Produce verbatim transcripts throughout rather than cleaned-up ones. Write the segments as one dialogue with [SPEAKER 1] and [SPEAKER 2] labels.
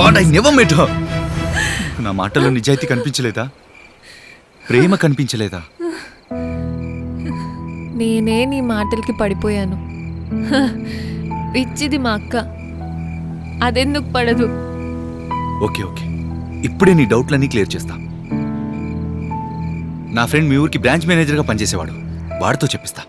[SPEAKER 1] God, I never met her. నా మాటలో నిజాయితీ కనిపించలేదా? ప్రేమ కనిపించలేదా?
[SPEAKER 2] నేనే నీ మాటలకి పడిపోయాను. పిచ్చిది మా అక్క, అదెందుకు పడదు?
[SPEAKER 1] ఓకే ఓకే, ఇప్పుడే నీ డౌట్లన్నీ క్లియర్ చేస్తా. నా ఫ్రెండ్ మీ ఊరికి బ్రాంచ్ మేనేజర్గా పనిచేసేవాడు, వాడితో చెప్పిస్తా.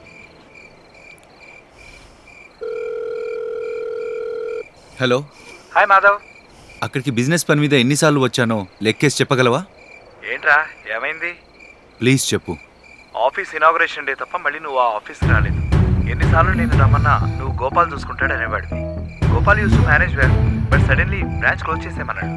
[SPEAKER 1] హలో.
[SPEAKER 3] హాయ్ మాధవ్.
[SPEAKER 1] అక్కడికి బిజినెస్ పని మీద ఎన్నిసార్లు వచ్చానో లెక్కేసి చెప్పగలవా?
[SPEAKER 3] ఏంట్రా, ఏమైంది?
[SPEAKER 1] ప్లీజ్ చెప్పు.
[SPEAKER 3] ఆఫీస్ ఇనాగ్రేషన్ డే తప్ప మళ్ళీ నువ్వు ఆ ఆఫీస్కి రాలేదు. ఎన్నిసార్లు నేను రమ్మన్నా నువ్వు గోపాల్ చూసుకుంటాడు అనేవాడివి. Gopal used to manage well, but suddenly branch close చేసేమన్నాడు.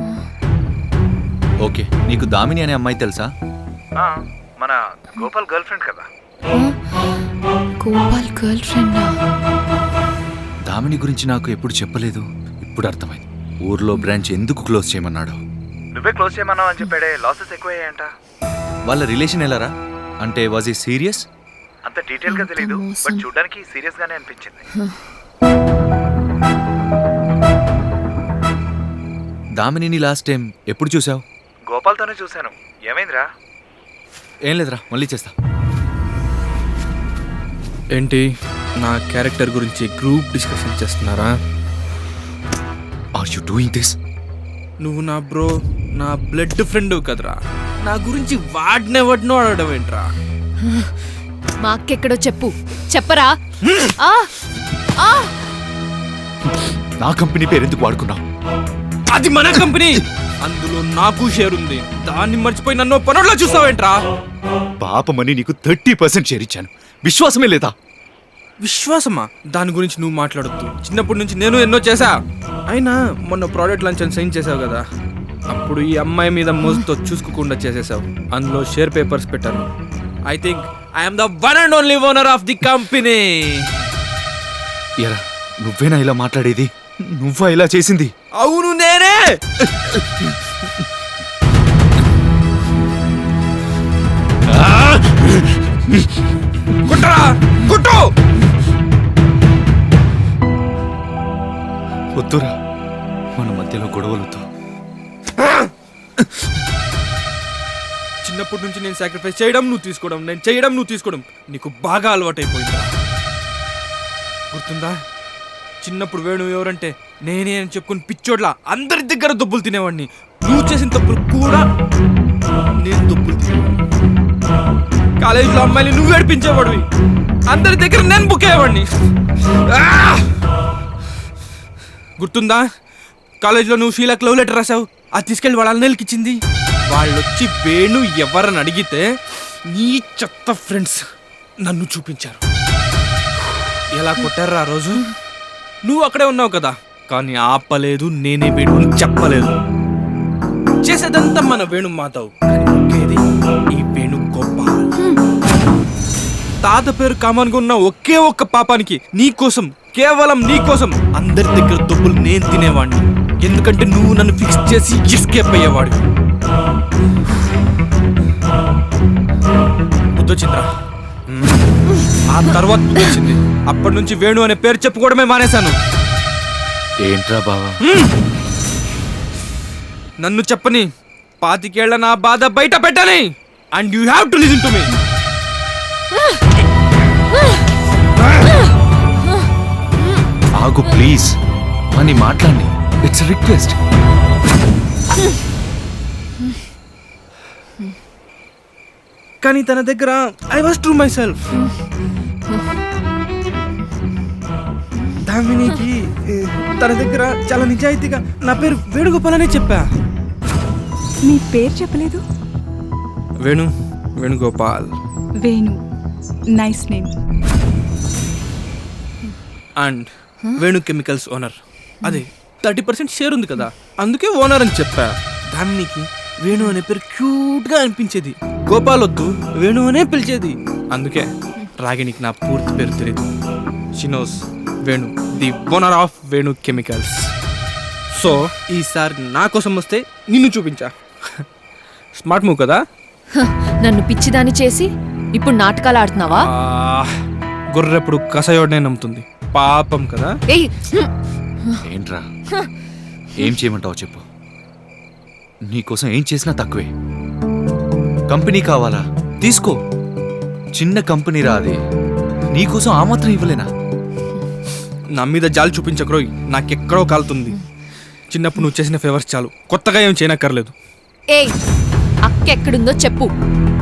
[SPEAKER 1] ఓకే, నీకు దామిని అనే అమ్మాయి తెలుసా?
[SPEAKER 3] మన గోపాల్ గర్ల్ ఫ్రెండ్ కదా.
[SPEAKER 2] గోపాల్ గర్ల్ ఫ్రెండా?
[SPEAKER 1] దామిని గురించి నాకు ఎప్పుడు చెప్పలేదు, ఇప్పుడు అర్థమైంది. ఊర్లో బ్రాంచ్ ఎందుకు క్లోజ్ చేయమన్నాడు.
[SPEAKER 3] నువ్వే క్లోజ్ చేయమన్నావు అని చెప్పాడే. లాసెస్ ఎక్కువయ్యాయంట.
[SPEAKER 1] వాళ్ళ రిలేషన్ ఎలారా? అంటే వాజ్ ఈ సీరియస్?
[SPEAKER 3] అంత డీటెయిల్ గా తెలీదు, బట్ చూడడానికి సీరియస్ గానే అనిపించింది.
[SPEAKER 1] దామిని లాస్ట్ టైం ఎప్పుడు చూసావు?
[SPEAKER 3] గోపాల్తోనే చూశాను. ఏమైందిరా?
[SPEAKER 1] ఏం లేదురా, మళ్ళీ చేస్తా.
[SPEAKER 4] ఏంటి, నా క్యారెక్టర్ గురించి గ్రూప్ డిస్కషన్ చేస్తున్నారా?
[SPEAKER 1] Are you doing this?
[SPEAKER 4] నువ్వు నా బ్రో, నా బ్లడ్ ఫ్రెండ్ కదరా. నా గురించి వాడినే వాడినో అడగడం ఏంట్రా?
[SPEAKER 2] మా అక్కెక్కడో చెప్పు, చెప్పరా? ఆ ఆ
[SPEAKER 4] నా కంపెనీ పేరు ఎందుకు వాడుకున్నావు? అది మన కంపెనీ, అందులో నాకు షేర్ ఉంది. దాన్ని మర్చిపోయి నన్ను పనుల్లో చూస్తావేంట్రా?
[SPEAKER 1] పాపమని నీకు థర్టీ పర్సెంట్ షేర్ ఇచ్చాను, విశ్వాసమే లేదా?
[SPEAKER 4] విశ్వాసమా? దాని గురించి నువ్వు మాట్లాడొద్దు. చిన్నప్పటి నుంచి నేను ఎన్నో చేశా. అయినా మొన్న ప్రోడక్ట్ లాంచ్ అని సైన్ చేసావు కదా, అప్పుడు ఈ అమ్మాయి మీద మోజుతో చూసుకోకుండా చేసేసావు. అందులో షేర్ పేపర్స్ పెట్టాను. I think I'm the one and only owner of the company.
[SPEAKER 1] ఎరా, నువ్వేనా ఇలా మాట్లాడేది? నువ్వా ఇలా చేసింది?
[SPEAKER 4] అవును, నేనే. కుట్రా, కుట్టు.
[SPEAKER 1] వద్దురా, మన మధ్యలో గొడవలతో.
[SPEAKER 4] చిన్నప్పటి నుంచి నేను సాక్రిఫైస్ చేయడం నువ్వు తీసుకోవడం, నేను చేయడం నువ్వు తీసుకోవడం నీకు బాగా అలవాటైపోయిందా? గుర్తుందా? చిన్నప్పుడు వేణు ఎవరంటే నేనే అని చెప్పుకుని పిచ్చోడ్లా అందరి దగ్గర దొబ్బులు తినేవాడిని. నువ్వు చేసిన తప్పులు కూడా నేను దొబ్బులు తినేవాడిని. కాలేజీలో అమ్మాయిని నువ్వు ఏడిపించేవాడివి, అందరి దగ్గర నేను బుక్ అయ్యేవాడిని. గుర్తుందా? కాలేజీలో నువ్వు షీలాకి లవ్ లెటర్ రాసావు, అది తీసుకెళ్ళి వాళ్ళ అన్నయ్యకి ఇచ్చింది. వాళ్ళు వచ్చి వేణు ఎవరని అడిగితే నీ చెత్త ఫ్రెండ్స్ నన్ను చూపించారు. ఎలా కొట్టారు ఆ రోజు? నువ్వు అక్కడే ఉన్నావు కదా, కానీ ఆపలేదు. నేనే వేణు అని చెప్పలేదు. చేసేదంతా మన వేణు మాధవ్, కానీ ఈ వేణు గోపాల్. తాత పేరు కామన్గా ఉన్న ఒకే ఒక్క పాపానికి నీ కోసం, కేవలం నీ కోసం అందరి దగ్గర దొబ్బులు నేను తినేవాడిని. ఎందుకంటే నువ్వు నన్ను ఫిక్స్ చేసి ఎస్కేప్ అయ్యేవాడు. బుద్ధొచ్చిందిరా. ఆ తర్వాత వచ్చింది. అప్పటి నుంచి వేణు అనే పేరు చెప్పుకోవడమే మానేశాను.
[SPEAKER 1] ఏంట్రా బావా?
[SPEAKER 4] నన్ను చెప్పని పాతికేళ్ల నా బాధ బయట పెట్టని. And you have to listen to me.
[SPEAKER 1] ఆగు ప్లీజ్, అని మాట్లాడి. It's request.
[SPEAKER 4] కానీ తన దగ్గర I was true myself. దామినికి తన దగ్గర చాలా నిజాయితీగా నా పేరు వేణుగోపాల్ అనే చెప్పా.
[SPEAKER 5] మీ పేరు చెప్పలేదు?
[SPEAKER 4] Venu, Venugopal.
[SPEAKER 5] Venu, nice name.
[SPEAKER 4] And Venu chemicals owner. అదే థర్టీ పర్సెంట్ షేర్ ఉంది కదా, అందుకే ఓనర్ అని చెప్పా. దామినికి వేణు అనే పేరు క్యూట్గా అనిపించేది. గోపాల్ వద్దు, వేణు అనే పిలిచేది. అందుకే రాగినికి నా పూర్తి పేరు తెలియదు. She knows Venu, the owner of Venu chemicals. So ఈసారి నా కోసం వస్తే నిన్ను చూపించా. స్మార్ట్ మూవ్ కదా?
[SPEAKER 2] నన్ను పిచ్చిదాన్ని చేసి ఇప్పుడు నాటకాలు ఆడుతున్నావా?
[SPEAKER 4] గొర్రెప్పుడు కసయోడనే నమ్ముతుంది, పాపం కదా.
[SPEAKER 2] ఏయ్,
[SPEAKER 1] ఏంట్రా ఏం చేయమంటావో చెప్పు. నీకోసం ఏం చేసినా తక్కువే. కంపెనీ కావాలా? తీసుకో. చిన్న కంపెనీ రాది, నీకోసం ఆ మాత్రం ఇవ్వలేనా?
[SPEAKER 4] నా మీద జాలి చూపించకరోయ్, నాకెక్కడో కాలుతుంది. చిన్నప్పుడు నువ్వు చేసిన ఫేవర్స్ చాలు, కొత్తగా ఏం చేయనక్కర్లేదు.
[SPEAKER 2] ఏయ్, అక్క ఎక్కడుందో చెప్పు.